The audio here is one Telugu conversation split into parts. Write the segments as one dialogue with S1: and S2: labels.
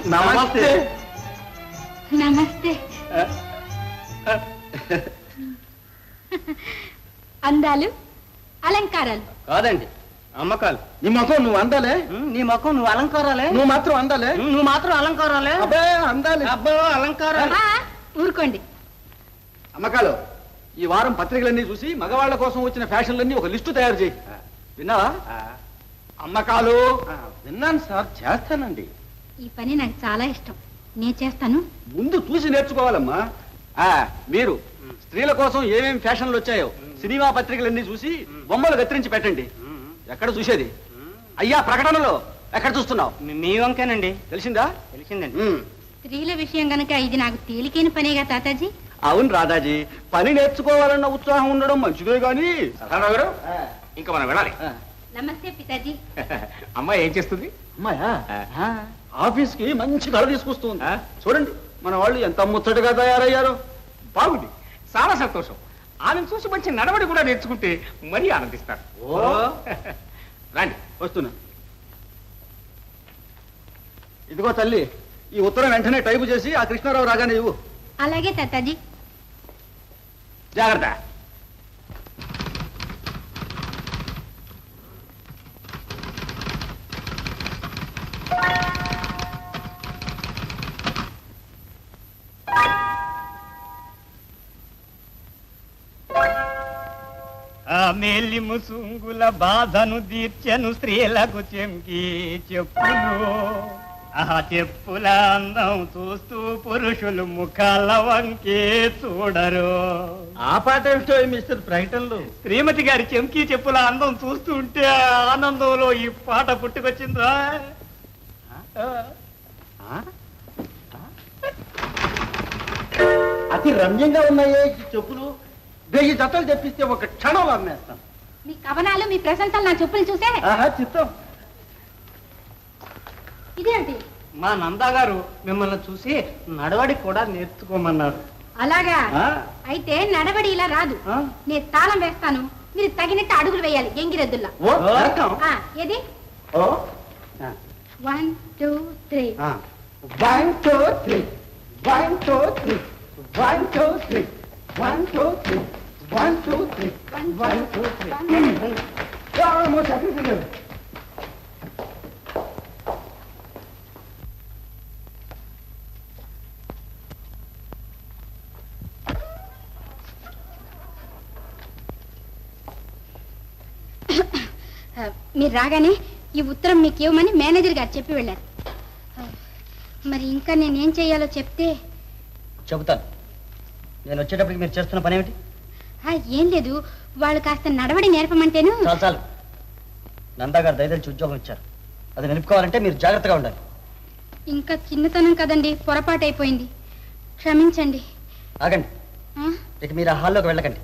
S1: నమస్తే.
S2: నమస్తే. అందాలు అలంకారాలు
S1: కాదండి, అమ్మకాలు.
S3: నీ ముఖం నువ్వు అందాలే,
S1: నీ ముఖం నువ్వు అలంకారాలే,
S3: నువ్వు మాత్రం అందాలే,
S1: నువ్వు మాత్రం అలంకారాలే.
S3: అబ్బే అందాలి.
S1: అబ్బో అలంకారాలు.
S2: ఊరుకోండి.
S3: అమ్మకాలు, ఈ వారం పత్రికలన్నీ చూసి మగవాళ్ళ కోసం వచ్చిన ఫ్యాషన్లన్నీ ఒక లిస్టు తయారు చేయి. విన్నావా? అమ్మకాలు.
S1: విన్నాను సార్, చేస్తానండి.
S2: ఈ పని నాకు చాలా ఇష్టం, నేను చేస్తాను.
S3: ముందు చూసి నేర్చుకోవాలమ్మా. మీరు స్త్రీల కోసం ఏమేమి ఫ్యాషన్లు వచ్చాయో సినిమా పత్రికలన్నీ చూసి బొమ్మలు కత్తిరించి పెట్టండి. ఎక్కడ చూసేది? అయ్యా ప్రకటనలో ఎక్కడ చూస్తున్నావు?
S1: మీ వంకేనండి.
S3: తెలిసిందా?
S1: తెలిసిందండి.
S2: స్త్రీల విషయం గనక ఇది నాకు తేలికైన పనేగా తాతాజీ.
S3: అవును రాధాజీ, పని నేర్చుకోవాలన్న ఉత్సాహం ఉండడం మంచిదే గాని.
S4: గారు ఇంకా మనం వెళ్ళాలి.
S2: నమస్తే పితాజీ.
S4: అమ్మాయి ఏం చేస్తుంది?
S3: అమ్మాయా ఆఫీస్ కి మంచి కళ తీసుకొస్తుంది. చూడండి మన వాళ్ళు ఎంత ముచ్చటగా తయారయ్యారో.
S4: బాగుంది, చాలా సంతోషం. ఆమెను చూసి మంచి నడవడి కూడా నేర్చుకుంటే మరీ ఆనందిస్తారు. రండి.
S3: వస్తున్నా. ఇదిగో తల్లి, ఈ ఉత్తరం వెంటనే టైపు చేసి ఆ కృష్ణారావు రాగానే ఇవ్వు.
S2: అలాగే తాతాజీ.
S3: జాగ్రత్త.
S1: ఆ మేలి ముసుంగుల బాధను తీర్చెను స్త్రీలకు చెంకి చెప్పులు. ఆ చెప్పుల అందం చూస్తూ పురుషులు ముఖాల వంకే చూడరు.
S3: ఆ పాట ఏమిటో మిస్టర్ ప్రకటనలు.
S1: శ్రీమతి గారి చెంకి చెప్పుల అందం చూస్తూ ఉంటే ఆనందంలో ఈ పాట పుట్టుకొచ్చిందా?
S3: అతి రమ్యంగా ఉన్నాయే ఈ చెప్పులు. 1000 జతలు తెప్పిస్తే ఒక క్షణంలో అమ్మేస్తాం.
S2: మీ కవనాలు, మీ ప్రశంసలు నా చెప్పులు చూసే.
S3: చిత్తం.
S2: ఇదేంటి?
S1: మా నందా గారు మిమ్మల్ని చూసి నడవడి కూడా నేర్చుకోమన్నారు.
S2: అలాగా? అయితే నడవడి ఇలా రాదు. నేను తాళం వేస్తాను, మీరు తగినట్టు అడుగులు వేయాలి ఎంగిరెద్దుల్లా. ఏది? 1 2 3.
S3: 1 2 3 1 2 3 1 2 3 1 2 3 1 2 3 1 2 3.
S2: మీరు రాగానే ఈ ఉత్తరం మీకు ఇవ్వమని మేనేజర్ గారు చెప్పి వెళ్ళారు. మరి ఇంకా నేనేం చేయాలో చెప్తే.
S1: చెబుతాను. నేను వచ్చేటప్పటికి మీరు చేస్తున్న పని ఏమిటి?
S2: ఏం లేదు, వాళ్ళు కాస్త నడవడి నేర్పమంటేను.
S1: చాలు చాలు. నందా గారు దయదలిచి ఉద్యోగం ఇచ్చారు, అది నిలుపుకోవాలంటే మీరు జాగ్రత్తగా ఉండాలి.
S2: ఇంకా చిన్నతనం కదండి, పొరపాటు అయిపోయింది, క్షమించండి.
S1: ఆగండి, ఇక మీరు ఆ హాల్లోకి వెళ్ళకండి.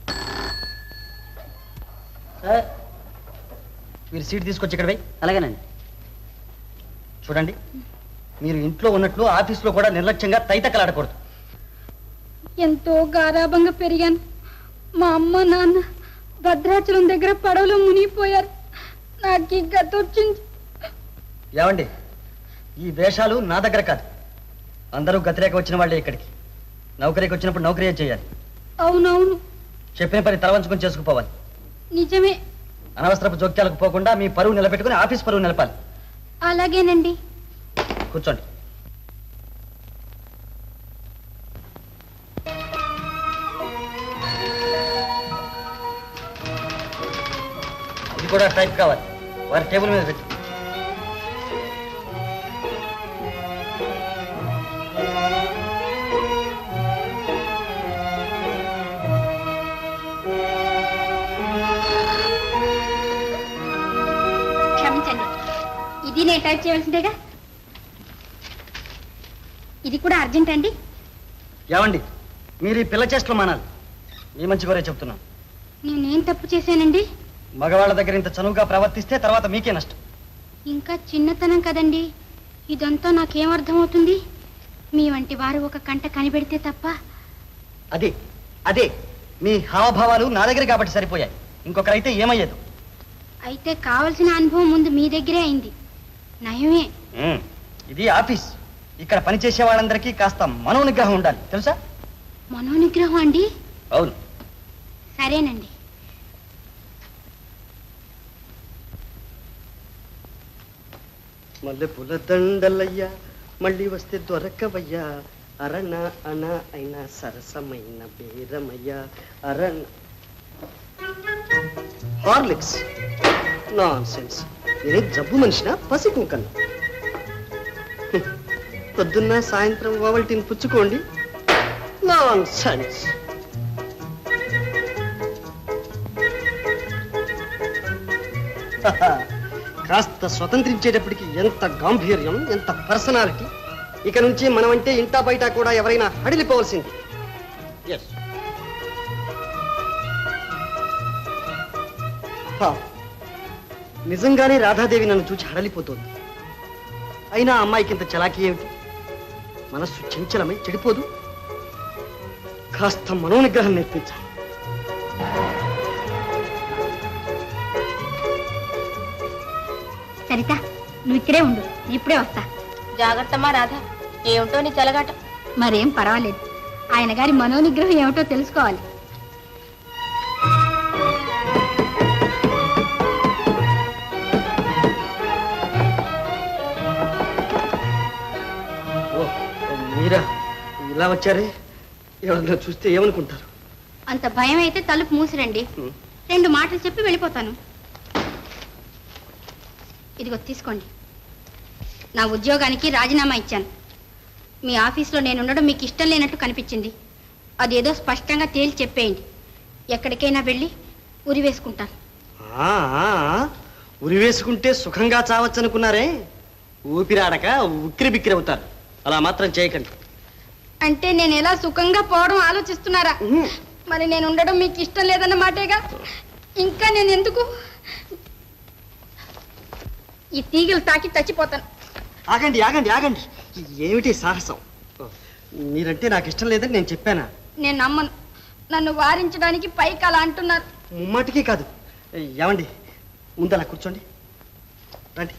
S1: సార్, మీరు సీట్ తీసుకొచ్చి ఇక్కడ పోయి. అలాగేనండి. చూడండి, మీరు ఇంట్లో ఉన్నట్లు ఆఫీస్లో కూడా నిర్లక్ష్యంగా తైతక్కలాడకూడదు.
S2: ఎంతో గారాభంగా పెరిగాను. మా అమ్మ నాన్న భద్రాచలం దగ్గర పడవలో మునిగిపోయారు. నాకు ఈ గత వచ్చింది.
S1: ఏమండి, ఈ వేషాలు నా దగ్గర కాదు. అందరూ గతిరేక వచ్చిన వాళ్ళే ఇక్కడికి. నౌకరీకి వచ్చినప్పుడు నౌకరీ చేయాలి.
S2: అవునవును,
S1: చెప్పిన పని తలవంచుకొని చేసుకుపోవాలి.
S2: నిజమే.
S1: అనవసరపు జోక్యాలకు పోకుండా మీ పరువు నిలబెట్టుకుని ఆఫీస్ పరువు నిలపాలి.
S2: అలాగేనండి.
S1: కూర్చోండి. ఇది కూడా టైప్ కావాలి. వారి టేబుల్ మీద పెట్టి.
S2: క్షమించండి, ఇది నేను టైప్ చేయవలసిందేగా. ఇది కూడా అర్జెంట్ అండి.
S1: ఏమండి, మీరు ఈ పిల్ల చేష్టలు మానాలి. మీ మంచి కోరే చెప్తున్నాను.
S2: నేనేం తప్పు చేశానండి?
S1: మగవాళ్ళ దగ్గర ఇంత చనువుగా ప్రవర్తిస్తే తర్వాత మీకే నష్టం.
S2: ఇంకా చిన్నతనం కదండి, ఇదంతా నాకేం అర్థమవుతుంది? మీ వంటి వారు ఒక కంట కనిపెడితే తప్ప.
S1: అదే అదే మీ హావభావాలు నా దగ్గర కాబట్టి సరిపోయాయి. ఇంకొకరైతే ఏమయ్యేదు.
S2: అయితే కావలసిన అనుభవం ముందు మీ దగ్గరే అయింది. నయమే.
S1: ఇది ఆఫీస్, ఇక్కడ పనిచేసే వాళ్ళందరికీ కాస్త మనోనిగ్రహం ఉండాలి, తెలుసా?
S2: మనోనిగ్రహం అండి?
S1: అవును.
S2: సరేనండి.
S1: మల్లె పూల దండలయ్యా మళ్ళీ వస్తే దొరకవయ్యా, అరణ అణ అయినా సరసమైన బేరమయ్యా, అరణ. Horlicks nonsense. నేనే జబ్బు మనిషిన పసి కుంకన్న. పొద్దున్న సాయంత్రం ఓవల్టీని పుచ్చుకోండి. Non sense. కాస్త స్వతంత్రించేటప్పటికి ఎంత గాంభీర్యం, ఎంత పర్సనాలిటీ. ఇక నుంచి మనం అంటే ఇంటా బయట కూడా ఎవరైనా హడిలిపోవలసింది. ఎస్. నిజంగానే రాధాదేవి నన్ను చూచి హడలిపోతోంది. అయినా అమ్మాయికి ఇంత చలాకీ ఏమిటి? మనస్సు చంచలమై చెడిపోదు. కాస్త మనోనిగ్రహం నేర్పించాలి.
S2: సరిత, నువ్వు ఇక్కడే ఉండు, ఇప్పుడే వస్తా.
S5: జాగ్రత్తమ్మా రాధా, ఏమిటో నీ చెలగాట.
S2: మరేం పర్వాలేదు, ఆయన గారి మనోనిగ్రహం ఏమిటో తెలుసుకోవాలి.
S1: మీరా ఇలా వచ్చారే? ఎవరన్నా చూస్తే ఏమనుకుంటారు?
S2: అంత భయం అయితే తలుపు మూసిరండి. 2 మాటలు చెప్పి వెళ్ళిపోతాను. ఇదిగో తీసుకోండి. నా ఉద్యోగానికి రాజీనామా ఇచ్చాను. మీ ఆఫీస్లో నేను ఉండడం మీకు ఇష్టం లేనట్టు కనిపించింది. అదేదో స్పష్టంగా తేల్చి చెప్పేయండి. ఎక్కడికైనా వెళ్ళి ఉరి వేసుకుంటాను.
S1: ఉరి వేసుకుంటే సుఖంగా చావచ్చు అనుకున్నారే? ఊపిరాడక ఉక్కిరి బిక్కిరి అవుతారు. అలా మాత్రం చేయకండి.
S2: అంటే నేను ఎలా సుఖంగా పోవడం ఆలోచిస్తున్నారా? మరి నేను ఉండడం మీకు ఇష్టం లేదన్న మాటేగా. ఇంకా నేను ఎందుకు ఈ తీగలు తాకి చచ్చిపోతాను.
S1: ఆగండి ఆగండి ఆగండి. ఏమిటి సాహసం? మీరంటే నాకు ఇష్టం లేదని నేను చెప్పానా?
S2: నేను నమ్మను. నన్ను వారించడానికి పైకి అలా అంటున్నారు.
S1: ముమ్మాటికి కాదు. ఏమండి, ముందు అలా కూర్చోండి. రండి.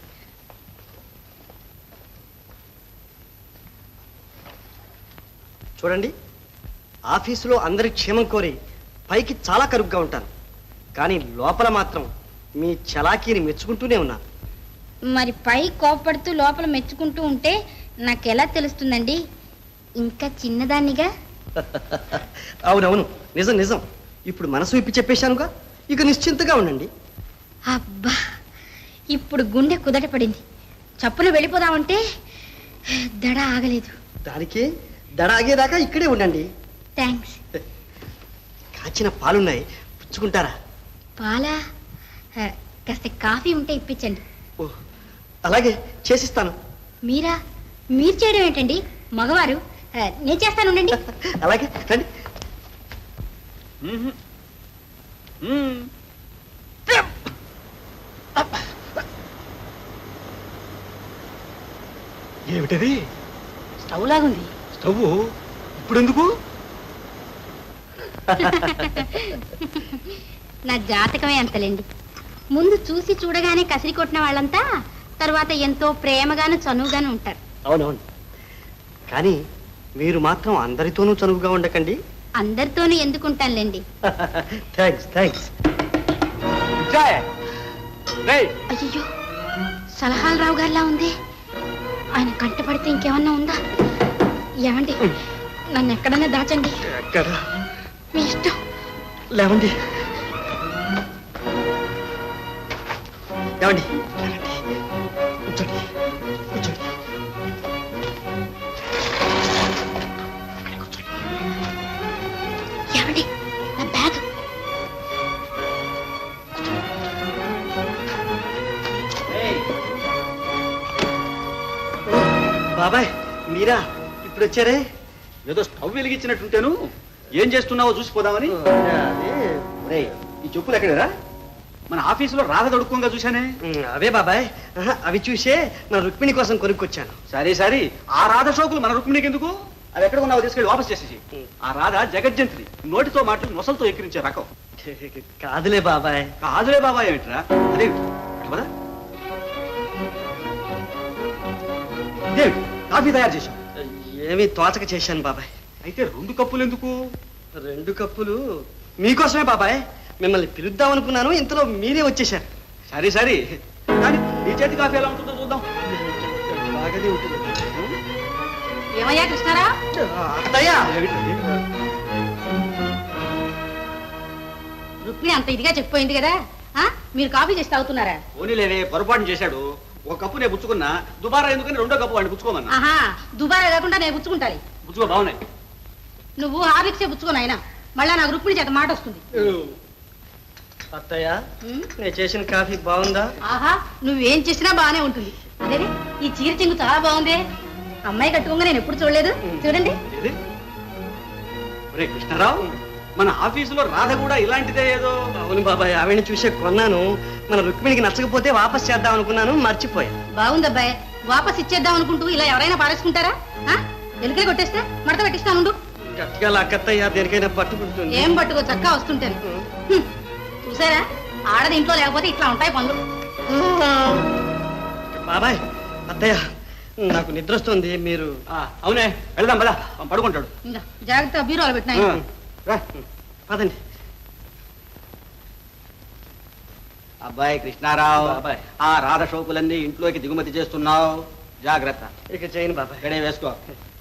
S1: చూడండి, ఆఫీసులో అందరి క్షేమం కోరి పైకి చాలా కరుగ్గా ఉంటాను, కానీ లోపల మాత్రం మీ చలాకీని మెచ్చుకుంటూనే ఉన్నాను.
S2: మరి పై కోపడుతూ లోపల మెచ్చుకుంటూ ఉంటే నాకెలా తెలుస్తుందండి? ఇంకా చిన్నదాన్నిగా.
S1: అవునవును, నిజం నిజం. ఇప్పుడు మనసు విప్పి చెప్పేశానుగా, ఇక నిశ్చింతగా ఉండండి.
S2: అబ్బా, ఇప్పుడు గుండె కుదట పడింది. చప్పున వెళ్ళిపోదామంటే దడ ఆగలేదు.
S1: దానికి దడ ఆగేదాకా ఇక్కడే ఉండండి.
S2: థ్యాంక్స్.
S1: కాచిన పాలున్నాయి, పుచ్చుకుంటారా?
S2: పాలా? కాస్త కాఫీ ఉంటే ఇప్పించండి.
S1: ఓ, అలాగే చేసిస్తాను.
S2: మీరు చేయడం ఏంటండి? మగవారు. నేను చేస్తాను, ఉండండి.
S1: అలాగే రండి. ఏమిటది?
S5: స్టవ్ లాగుంది.
S1: స్టవ్ ఇప్పుడు ఎందుకు?
S2: నా జాతకమే అంతలేండి. ముందు చూసి చూడగానే కసిరి కొట్టిన వాళ్ళంతా తర్వాత ఎంతో ప్రేమగాను చనువుగాను ఉంటారు.
S1: అవునవును, కానీ మీరు మాత్రం అందరితోనూ చనువుగా ఉండకండి.
S2: అందరితోనూ ఎందుకుంటానులేండి.
S1: Thanks thanks.
S2: అయ్యో, సలహాలు రావు గారిలా ఉంది. ఆయన కంటపడితే ఇంకేమన్నా ఉందా? ఏమండి, నన్ను ఎక్కడన్నా దాచండి.
S1: ఎక్కడ?
S2: మీ ఇష్టం.
S1: లేవండి. లేవండి. కూర్చోండి కూర్చోండి.
S2: ఏమండి, నా బ్యాగ్.
S1: బాబాయ్, మీరా ఇప్పుడు వచ్చారే?
S3: ఏదో స్టవ్ వెలిగించినట్టుంటేను ఏం చేస్తున్నావో చూసిపోదామని. ఒరేయ్, ఈ చెప్పులు ఎక్కడరా? మన ఆఫీసులో రాధ దొడుక్కోగా చూశానే.
S1: అవే బాబాయ్. అవి చూసే నా రుక్మిణి కోసం కొనుక్కొచ్చాను.
S3: సరే సరే, ఆ రాధ షోకులు మన రుక్మిణికి ఎందుకు? అది ఎక్కడ ఉన్నావో తీసుకెళ్ళి వాపస్ చేసేసి. ఆ రాధ జగజ్జంత్రి, నోటితో మాటలు నొసలతో ఎక్కిరించే రకం.
S1: కాదులే బాబాయ్.
S3: కాదులే బాబాయ్ ఏమిట్రా? అదే కదా కాఫీ తయారు చేశాం.
S1: ఏమీ తోచక చేశాను బాబాయ్.
S3: అయితే 2 కప్పులు ఎందుకు?
S1: 2 కప్పులు మీకోసమే బాబాయ్. మిమ్మల్ని పిలుద్దాం అనుకున్నాను, ఇంతలో మీరే వచ్చేశారు.
S3: సరే సరే, కానీ నీ చేతి కాఫీ ఎలా ఉంటుందో చూద్దాం.
S1: బాగానే ఉంటుంది.
S2: ఏమయ్యా కృష్ణారా?
S1: అత్తయ్య,
S2: రుక్మిణి అంత ఇదిగా చెప్పిపోయింది కదా, ఆ? మీరు కాఫీ చేసి తాగుతున్నారా?
S3: పోనీలేవే, పొరపాటు చేశాడు. 1 కప్పు నేను పుచ్చుకున్నా, దుబారా ఎందుకని 2వ కప్పు వాడిని పుచ్చుకోమన్నా.
S2: ఆహా, దుబారా కాకుండా నేను పుచ్చుకుంటాను.
S3: పుచ్చుకో, బాగున్నాయి.
S2: నువ్వు హార్లిక్సే పుచ్చుకోను అయినా మళ్ళా నాకు రుక్మిణి చేత మాట వస్తుంది.
S1: అత్తయ్య,
S2: ఉమ్,
S1: నేను చేసిన కాఫీ బాగుందా?
S2: ఆహా, నువ్వేం చేసినా బాగానే ఉంటుంది. అదే ఈ చీర చెంగు చాలా బాగుంది. అమ్మాయి కట్టుకోగా నేను ఎప్పుడు చూడలేదు. చూడండి.
S3: ఏది? ఒరే కృష్ణారావు, మన ఆఫీసులో రాధ కూడా ఇలాంటిదే ఏదో.
S1: అవును బాబాయ్, ఆవిడని చూసే కొన్నాను. మన రుక్మిణికి నచ్చకపోతే వాపస్ చేద్దాం అనుకున్నాను, మర్చిపోయా.
S2: బాగుంది అబ్బాయి. వాపస్ ఇచ్చేద్దాం అనుకుంటూ ఇలా ఎవరైనా పారేసుకుంటారా? ఎలుకలు కొట్టేస్తే మడత పెట్టిస్తాను.
S1: గట్టిగా లాక్కత్తయ్య, దేనికైనా పట్టుకుంటుంది.
S2: ఏం పట్టుకో, చక్కా వస్తుంటాను. చూసారా, ఆడది ఇంట్లో లేకపోతే ఇట్లా ఉంటాయి పనులు.
S1: బాబాయ్, అత్తయ్య, నాకు నిద్ర వస్తుంది. మీరు
S3: అవునే, వెళ్దాం పదా, పడుకుంటాడు.
S2: ఇంకా జాగ్రత్త బీరోలు పెట్టినాయి.
S3: రా.
S1: పదండి.
S3: అబ్బాయి కృష్ణారావు,
S1: బాబాయ్.
S3: ఆ రాధ షోపులన్నీ ఇంట్లోకి దిగుమతి చేస్తున్నావు, జాగ్రత్త.
S1: ఇక చేయను బాబాయ్.
S3: ఇక్కడే వేసుకో.